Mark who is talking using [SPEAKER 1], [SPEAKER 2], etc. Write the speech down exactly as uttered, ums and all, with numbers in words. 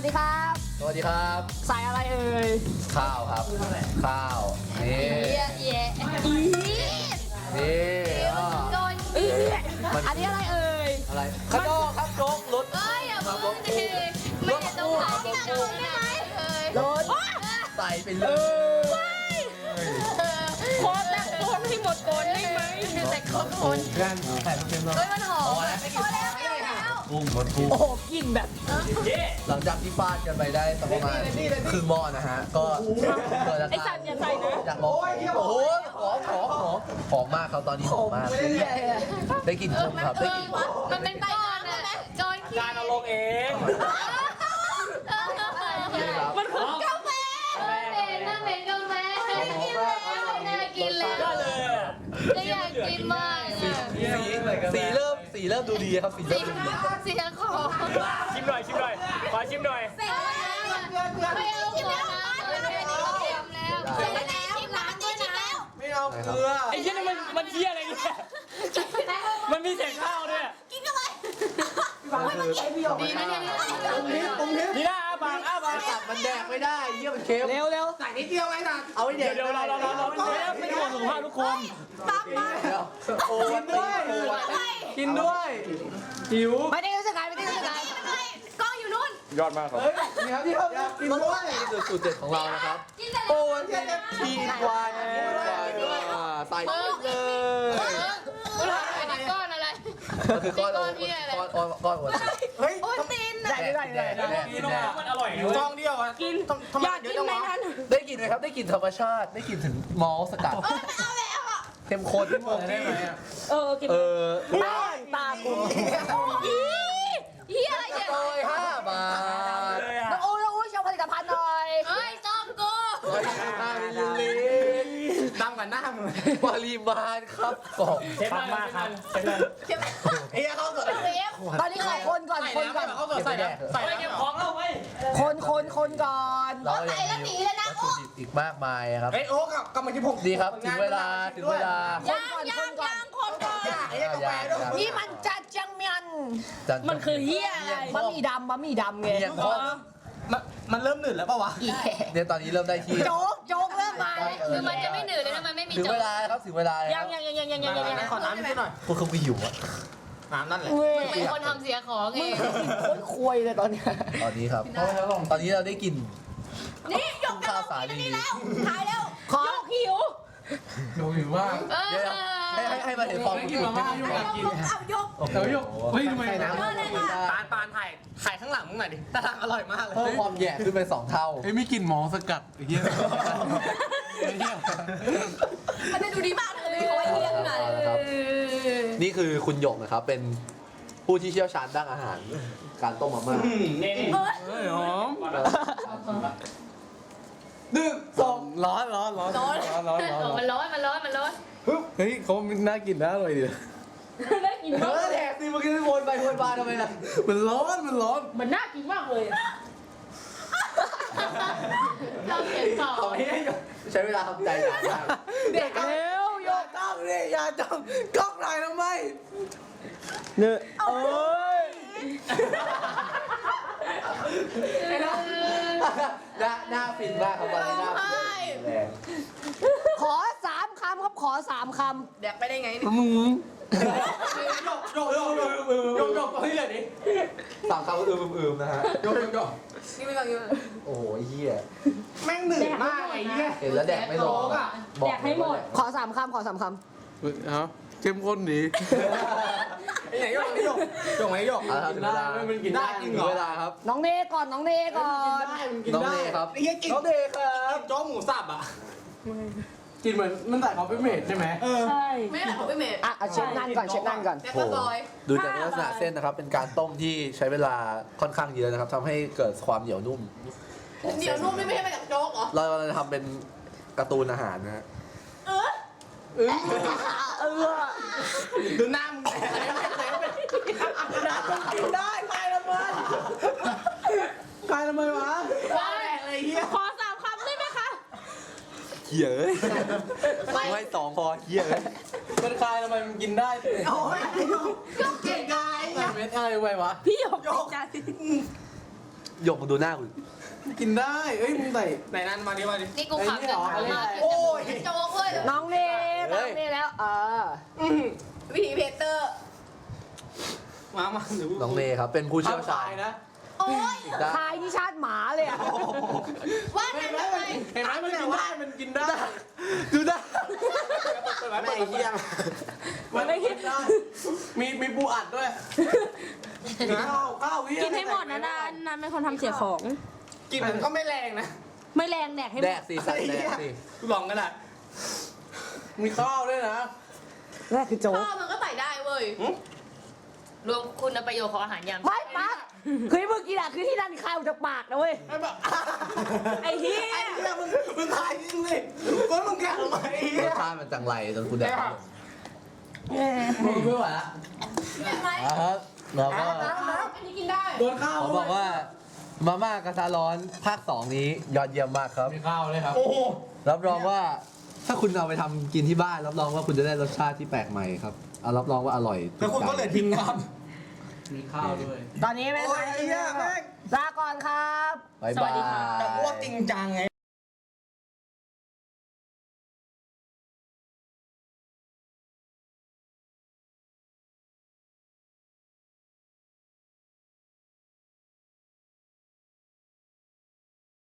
[SPEAKER 1] วัสดีครับ
[SPEAKER 2] สวัสดีครับ
[SPEAKER 1] ใส่อะไรเอ่ย
[SPEAKER 2] ข้าวครับ ข้าว นี่
[SPEAKER 3] เย่เย่
[SPEAKER 2] นี่อ่ะ
[SPEAKER 3] โดน
[SPEAKER 1] อันนี้อะไรเอ่ย
[SPEAKER 2] อะไรข้างนอกครับโจ๊กรถ
[SPEAKER 3] เอ้ยอย่าพูดดิไม่เห็นต้องถามที่โดนได้ไหมเอ้ย
[SPEAKER 1] รถ
[SPEAKER 2] ใส่ไปเลย
[SPEAKER 3] โคตรแต่โคนให้หมดโคนได้ไหมแต่โคนคน
[SPEAKER 2] กันใส่เต็มเลย
[SPEAKER 3] เฮ้ยมันหอมพอแล้วพอแล้ว
[SPEAKER 2] กุ้งรสกุ้ง
[SPEAKER 1] โอ้โหกลิ่นแบบ
[SPEAKER 2] หลังจากที่ฟาดกันไปได้สักประมาณครึ่งหม้อนะฮะ ก็เกิดอา
[SPEAKER 1] ไอ้
[SPEAKER 2] กา
[SPEAKER 1] สั
[SPEAKER 2] ร
[SPEAKER 1] ตว์อย่าใส่นะ
[SPEAKER 2] อยากลองโอ้โหหอมหอมหอมหอมมากครับตอนนี้หอมมาก ได้กลิ่นกุ้งครับได้กลิ่น
[SPEAKER 3] มันเป็นก้อนอะก้อนขี้
[SPEAKER 4] การเอาลงเอง
[SPEAKER 1] มันคือก
[SPEAKER 3] าแฟเป็นน่าเป็นกาแฟกินแล้วน่ากินแล้ว
[SPEAKER 4] ก็เลยอ่ะ
[SPEAKER 3] จะอยากกินมาก
[SPEAKER 2] สีสีเริ่มสีเริ่มดูดีครับสีเริ่มดูดี
[SPEAKER 3] เสียงของ
[SPEAKER 4] ชิมหน่อยชิมหน่อยขอชิมหน่อย
[SPEAKER 3] เสียงไม่เอาขอน้ำเลยแค่นี้ก็เค็มแล้วเค็มแล้วน้ำด้วยนะ
[SPEAKER 2] ไม่เอาเกลือ
[SPEAKER 4] ไอ้เหี้ยนี่มันมันเหี้ยอะไรเนี่ยมันมีเศษข้าวด้วย
[SPEAKER 3] กินกันเลย
[SPEAKER 2] ดีนะเนี่ยตรงนี้ตรงนี้
[SPEAKER 4] นี่นะอ้าปากอ้าปาก
[SPEAKER 2] ตัดมันแดกไม่ได้เยี่ยมันเค็ม
[SPEAKER 1] เร็วเร็ว
[SPEAKER 2] ใส่นิดเดียวไงตัดเอาไว้แด
[SPEAKER 4] เดี๋ยว
[SPEAKER 2] ก
[SPEAKER 4] เดี๋ยวเราเราเราเราเราไม่ห่วงสุขภาพทุกคน
[SPEAKER 2] โอ้กินด้วยกินด้วยหิว
[SPEAKER 1] ไม่ได้รู้สึกไงไม่ได้รู้สึกไง
[SPEAKER 3] กล้องอยู่นู่น
[SPEAKER 4] ยอดมากครับ
[SPEAKER 2] นี่ครับที่เขากินด้วยนี่คือสูตรเด็ดของเรานะครับ
[SPEAKER 3] กินแต่
[SPEAKER 2] โอ้วันนี้ทีนวานทีนวานใส่เลย
[SPEAKER 3] ก้อนอะไร
[SPEAKER 2] มันคือก้อนก้อนก้อนก้อนวันเฮ้ย
[SPEAKER 3] โอ้ตีน
[SPEAKER 1] ได้ได้ได้ได้
[SPEAKER 4] กินแล้วมันอร่อยนะ
[SPEAKER 2] ซองเดียวอ่ะ
[SPEAKER 1] กินอยากกินไหมนั้น
[SPEAKER 2] ได้กลิ่นไหมครับได้กลิ่นธรรมชาติได้กลิ่นถึงมอลสกัด
[SPEAKER 3] เอาแล้วอ่ะ
[SPEAKER 2] เข้มข้นได้ไหม
[SPEAKER 1] เออกิน
[SPEAKER 2] เออ
[SPEAKER 1] ตาตาคุณ
[SPEAKER 3] เฮียอะไรเนี่ย
[SPEAKER 2] โอ้ยห้าบาท
[SPEAKER 4] เลยอ่ะ
[SPEAKER 1] น้องอู้น้องอู้โชว์ผลิตภัณฑ์หน่อย
[SPEAKER 3] เฮ้ยจอมกู
[SPEAKER 2] ร้อยห้ามิลลิลิตรดังกว่าหน้ามึงปริมาณครับกล่อง
[SPEAKER 4] เชฟมากครับเชฟเลย
[SPEAKER 2] เอ้ยเขาสด
[SPEAKER 3] เวฟ
[SPEAKER 1] ตอนนี้ขอคนก่อนคนก่อน
[SPEAKER 2] เขาสดใส่แดก
[SPEAKER 4] ใส่เก็บของเราไว้
[SPEAKER 1] คนคนคนก่อน
[SPEAKER 2] เรายังมีวัตถุดิบอีกมากมายครับ
[SPEAKER 5] เฮ้ยโอ๊กอะกำลังที่ผม
[SPEAKER 2] ดีครับถึงเวลาถึงเวลา
[SPEAKER 1] คนก่อนคนก่อน
[SPEAKER 3] คนก่อน
[SPEAKER 5] ไอ้กาแฟด้วย
[SPEAKER 1] นี่มันจัดจังเมียน
[SPEAKER 2] จั
[SPEAKER 1] มันคือเฮียอะไรบะหมี่ดำบะหมี่ดำไง
[SPEAKER 2] เมียงทอด
[SPEAKER 5] มันมันเริ่มหนืดแล้วป่าวะ
[SPEAKER 2] เนี่ยตอนนี้เริ่มได้ที่
[SPEAKER 1] โจ๊กโจ๊กเริ่มมา
[SPEAKER 3] คือมันจะไม่หนืดเลยนะมันไม่มี
[SPEAKER 2] ถึง
[SPEAKER 3] จอ
[SPEAKER 2] เว
[SPEAKER 3] ม
[SPEAKER 2] ลาครับถึงเวลา
[SPEAKER 1] ยังยังยังยังยังยังยัง
[SPEAKER 5] ขอน้ำนิดหน่อย
[SPEAKER 2] พวกเขาไปหิวอะ
[SPEAKER 5] น้ำนั่นแหละ
[SPEAKER 1] เว้ย
[SPEAKER 3] เป็นคนทำเสียของเอง
[SPEAKER 1] โคตรควยเลยตอนเนี้ย
[SPEAKER 2] ตอนนี้ครับตอนนี้เราได้กิน
[SPEAKER 3] นี่หยก
[SPEAKER 2] ข้าวสาลี
[SPEAKER 3] ถ่ายแล้ว
[SPEAKER 1] ขอหิว
[SPEAKER 5] ดูหิวว่า
[SPEAKER 3] เออ
[SPEAKER 2] เดี๋ยวให้ให้ให้มาเห็นฟองกิน
[SPEAKER 3] เอายก
[SPEAKER 2] เดี๋ยวยกเฮ้ยทำไมน้ำ
[SPEAKER 5] ปานปานถ่ายถ่ายข้างหลังมึงหน่อยดิแต่ทางอร่อยมากเลย
[SPEAKER 2] เพิ่มความแย่ขึ้นเป็นสองเท่า
[SPEAKER 6] เฮ้ยมีกลิ่นหมอสกัดไอ้เหี้ยไอ้เหี้ย
[SPEAKER 3] มันจะดูดีมากเลยโอ้ยเฮียขนาด
[SPEAKER 2] นะครับนี่คือคุณหยกนะครับเป็นผู้ที่เชี่ยวชาญด้านอาหาร การต้มมาม่า
[SPEAKER 4] นี่นี่
[SPEAKER 6] เฮ้ยหอม
[SPEAKER 2] หนึ่งสอง
[SPEAKER 6] ร้อนร้อนร้อนร้อนร้อนร้อนร้อน
[SPEAKER 3] มันร้อนมันร้อนมันร้อน
[SPEAKER 6] เฮ้ยเขาน่ากินนะอร่อยดี
[SPEAKER 1] ได้กิน
[SPEAKER 2] เออแดกสิเมื่อกี้วนไปวนมาทำไมล่ะ
[SPEAKER 6] มันร้อนมันร้อน
[SPEAKER 1] มันน่ากินมากเลย
[SPEAKER 3] เราเสียงสอง
[SPEAKER 2] เอาให้ใช้เวลาทำใจนานมาก
[SPEAKER 1] เด็กเร็วโยก
[SPEAKER 6] ต้องนี่อย่าจ้องกล้องไหนทำไมเนี่ยโอ้ย
[SPEAKER 2] หน้าหน้าฟินมากครับตอนนี้หน้าฟินแรง
[SPEAKER 1] ขอสามคำครับขอสามค
[SPEAKER 3] แดกไปได้ไง
[SPEAKER 6] มึง
[SPEAKER 5] โยกโยกโยกโยกโยกโยกเฮ้ยเลยดิ
[SPEAKER 2] สามคำก็อืมอืมนะฮะ
[SPEAKER 5] โยกโยกโยก
[SPEAKER 3] นี่ไม่ฟังอยู่
[SPEAKER 2] โอ้โหไอ้เหี้ย
[SPEAKER 5] แม่งหนืดมากไอ้เหี้ย
[SPEAKER 2] เห็นแล้วแดกไม่ลง
[SPEAKER 1] ำแดกให้หมด ขอสามคำขอสามค
[SPEAKER 6] เอ้าเข้มข้นดี
[SPEAKER 5] ไอ้ไหนโยกไอ้โยกโยกไหนโยก
[SPEAKER 2] เอาละครับถึงเวลา
[SPEAKER 6] มันกินได้
[SPEAKER 2] ถึงเวลาครับ
[SPEAKER 1] ำน้องเนก่อนน้องเนก่อน
[SPEAKER 2] น้องเนครับ
[SPEAKER 5] ไอ้เหี้ยกิน
[SPEAKER 2] น้องเนครับ
[SPEAKER 5] โจ๊กหมูสับอ่ะ
[SPEAKER 6] กินเหมือนมันใส่คอฟฟี่เมดใช่ไหม
[SPEAKER 1] ใช่
[SPEAKER 3] ไม่ได้ของพี่เมย์
[SPEAKER 1] อ่ะเอาเชฟนั่นก่อนเชฟนั่นก่อน
[SPEAKER 3] แดกปลาซอย
[SPEAKER 2] ดูจากลักษณะเส้นนะครับ เป็นการต้มที่ใช้เวลาค่อนข้างเยอะนะครับทำให้เกิดความเหนียวนุ่ม
[SPEAKER 3] เดี๋ยวนุ่มนี่ไม่ใช่มาจากโจ๊กเหรอ
[SPEAKER 2] เราจะทำเป็นการ์ตูนอาหารนะฮะ
[SPEAKER 3] เออ
[SPEAKER 1] เออ
[SPEAKER 5] ดูหน้ามึงแต่อะไรไม่เคยเป็น
[SPEAKER 6] กินได้ใครละมันใครละมันวะ
[SPEAKER 3] ว้าวอะไรเฮียขอสามคำได้ไหมคะ
[SPEAKER 2] เหี้ยเอ้ยไม่สองพอเหี้ยเอ้ย
[SPEAKER 6] มันใครละมันกินได้
[SPEAKER 5] โอ้ยไอ้โยกโยกเก่งไง
[SPEAKER 6] ใส่เม็ดอะไรไว้วะ
[SPEAKER 1] พี่หยก
[SPEAKER 5] โยก
[SPEAKER 2] หยกมาดูหน้าคุณ
[SPEAKER 6] กินได้เอ้ยมึงใส่
[SPEAKER 5] ไหนนั่นมาดิมาดิ
[SPEAKER 3] นี่กูขำกันมาก
[SPEAKER 5] โอ้ย
[SPEAKER 3] โจ๊กเว้ย
[SPEAKER 1] น้องเนน้องเนแล้ว เออ
[SPEAKER 3] วิธีเพเตอร์
[SPEAKER 5] มามาเดี๋ยว
[SPEAKER 2] น้องเนครับเป็นผู้เชี่ยวชาญ
[SPEAKER 6] นะ
[SPEAKER 3] โอ้ย
[SPEAKER 2] ได้
[SPEAKER 1] ทายนี่ชาติหมาเลยอ่ะ
[SPEAKER 3] ว่า
[SPEAKER 6] เห็
[SPEAKER 3] นั่
[SPEAKER 6] น
[SPEAKER 3] น
[SPEAKER 6] ไหม
[SPEAKER 3] ทำไม
[SPEAKER 6] มันเห็นไหมมันกินได้มันกินได้
[SPEAKER 2] ดูหน้า
[SPEAKER 6] แม่เฮียมันไม่กินได้มีมีปูอัดด้วยข้าวข้าวเฮีย
[SPEAKER 7] กินให้หมดนะนานนานเป็นคนทำเสียของ
[SPEAKER 5] กินมันก็ไม่แรงนะ
[SPEAKER 7] ไม่แรงแดกให้ห
[SPEAKER 2] แด
[SPEAKER 7] ม
[SPEAKER 2] ก
[SPEAKER 7] ด
[SPEAKER 2] สิสัตว์แดกสิ
[SPEAKER 5] ลองก็ได้
[SPEAKER 6] มีข้าวด้วยนะ
[SPEAKER 1] แรกคือโจ๊ก
[SPEAKER 3] พ่อมันก็ใส่ได้เว้ยรวมคุณประโยชน์ของอาหารยาม
[SPEAKER 1] ไม่ปั๊กคือเมื่อกี้อะคือที่นั่นข้าวจากปากนะเว้ย
[SPEAKER 6] ไม่แบบ
[SPEAKER 1] ไอ้เหี้ย
[SPEAKER 6] ไอ้เฮียมึงมึงถ่ายจริงสิก็มึงแกะทำไมไอ้เฮี
[SPEAKER 2] ร
[SPEAKER 6] ย
[SPEAKER 2] สชาติมันจังไรจนคุณแดก
[SPEAKER 6] มึงไม่ไหวละ
[SPEAKER 3] เห็นไหม
[SPEAKER 2] อ่ะครับเราก็
[SPEAKER 3] อันนี้กินได้
[SPEAKER 6] โดนข้าว
[SPEAKER 2] เขาบอกว่ามาม่ากระทะร้อนภาคสองนี้ยอดเยี่ยมมากครับ
[SPEAKER 5] มีข้าวเลยครับ
[SPEAKER 6] โอ้โห
[SPEAKER 2] รับรองว่าถ้าคุณเอาไปทำกินที่บ้านรับรองว่าคุณจะได้รสชาติที่แปลกใหม่ครับเอารับรองว่าอร่อย
[SPEAKER 5] แล้วคุณก็เลย
[SPEAKER 2] ถูใจ
[SPEAKER 5] ทิ้งน้ำมีข้าวด้วย
[SPEAKER 1] ตอนนี้ไม่
[SPEAKER 6] โอ้ยไอ้เฮียแม่ง
[SPEAKER 1] ลาก่อนครับ
[SPEAKER 2] บ๊าย
[SPEAKER 7] สวั
[SPEAKER 2] บา
[SPEAKER 7] สดีค่ะ
[SPEAKER 5] แต่
[SPEAKER 2] ย
[SPEAKER 5] อ้วกจริงจังไง